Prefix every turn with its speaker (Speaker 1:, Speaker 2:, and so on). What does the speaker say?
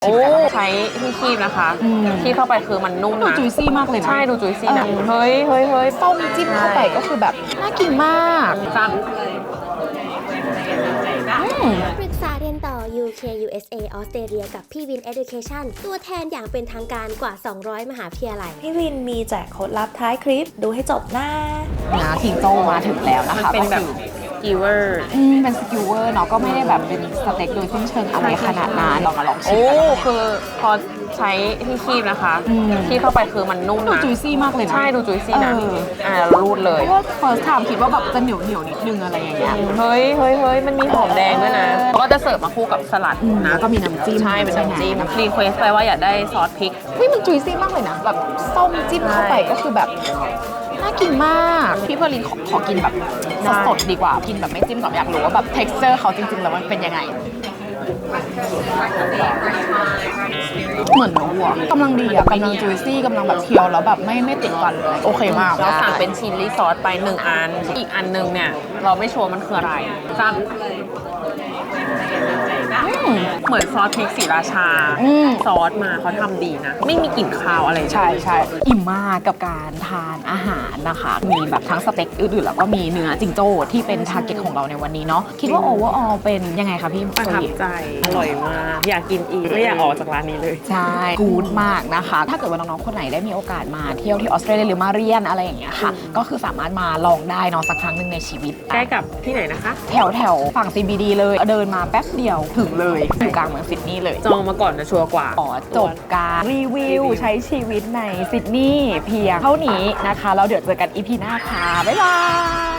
Speaker 1: โอ้ใช้ที่คีบนะคะที่เข้าไปคือมันนุ่มนะ
Speaker 2: ดูจุยซี่มากเลยนะ
Speaker 1: ใช่ดูจุยซี่นะเฮ้ย
Speaker 2: ต้มจิ้มเข้าไปก็คือแบบน่ากินมาก
Speaker 1: จัง
Speaker 3: ปรึกษาเรียนต่อ UK USA ออสเตรเลียกับพี่วิน Education ตัวแทนอย่างเป็นทางการกว่า 200 มหาวิทยาลัย
Speaker 4: พี่วินมีแจกโค้ดลับท้ายคลิปดูให้จบนะ
Speaker 2: ทิงโต้มาถึงแล้วนะคะ
Speaker 1: เป็นแบบกิวเวอร์
Speaker 2: เป็นสกิวเวอร์เนาะก็ไม่ได้แบบเป็นสเต็กโดยสิ้นเชิงอะไรขนาดนั้นลองมาลองชิมกัน
Speaker 1: คือพอใช้ที่คีบนะคะที่เข้าไปคือมันนุ่มนะ
Speaker 2: ดูจุยซี่มากเลยนะ
Speaker 1: ใช่ดูจุยซี่นะรูดเลย
Speaker 2: เพราะว่า first time คิดว่าแบบจะเหนียวนิดนึงอะไรอย่างเงี้ย
Speaker 1: เฮ้ยมันมีหอมแดงด้วยนะก็จะเสิร์ฟมาคู่กับสลัดนะ
Speaker 2: ก็มีน้ำจิ้ม
Speaker 1: ใช่เป็นน้ำจิ้มรีเควสไปว่าอยากได้ซอสพริก
Speaker 2: มันจุยซี่มากเลยนะแบบส้มจิ้มเข้าไปก็คือแบบน่ากินมากพี่เพอร์ลินขอกินแบบสดๆดีกว่ากินแบบไม่จิ้มก่อนอยากรู้ว่าแบบ texture เขาจริงๆแล้วมันเป็นยังไงเหมือนรู้อ่ะกำลังดีอ่ะกำลังจุยซี่กำลังแบบเคี้ยวแล้วแบบไม่ติดฟันเลยโอเคมาก
Speaker 1: เราสั่งเป็นชิลลี่ซอสไป1อันอีกอันนึงเนี่ยเราไม่ชัวร์มันคืออะไรจังเหมือนซอสพริกศรีราชาซอสมาเขาทำดีนะไม่มีกลิ่นคาวอะไร
Speaker 2: ใช่อิ่มมากกับการทานอาหารนะคะมีแบบทั้งสเต็กอื่นๆแล้วก็มีเนื้อจิงโจ้ที่เป็นทาร์เก็ตของเราในวันนี้เนาะคิดว่าโอเวอร์ออลเป็นยังไงคะพี่
Speaker 1: ประทับใจอร่อยมากอยากกินอีกไม่อยากออกจากร้านนี้เลย
Speaker 2: ใช่กู๊ดมากนะคะถ้าเกิดว่าน้องๆคนไหนได้มีโอกาสมาเที่ยวที่ออสเตรเลียหรือมาเรียนอะไรอย่างเงี้ยค่ะก็คือสามารถมาลองได้เนาะสักครั้งหนึ่งในชีวิต
Speaker 1: ใกล้กับที่ไหนนะคะ
Speaker 2: แถวฝั่ง CBD เลยเดินมาแป๊บเดียวถึงเลยอยู่กลางเมืองซิดนีย์เลย
Speaker 1: จองมาก่อนจะชัวร์กว่า
Speaker 2: จบการรีวิวใช้ชีวิตในซิดนีย์เพียงเท่านี้นะคะแล้วเดี๋ยวเจอกัน EP หน้าค่ะบ๊ายบาย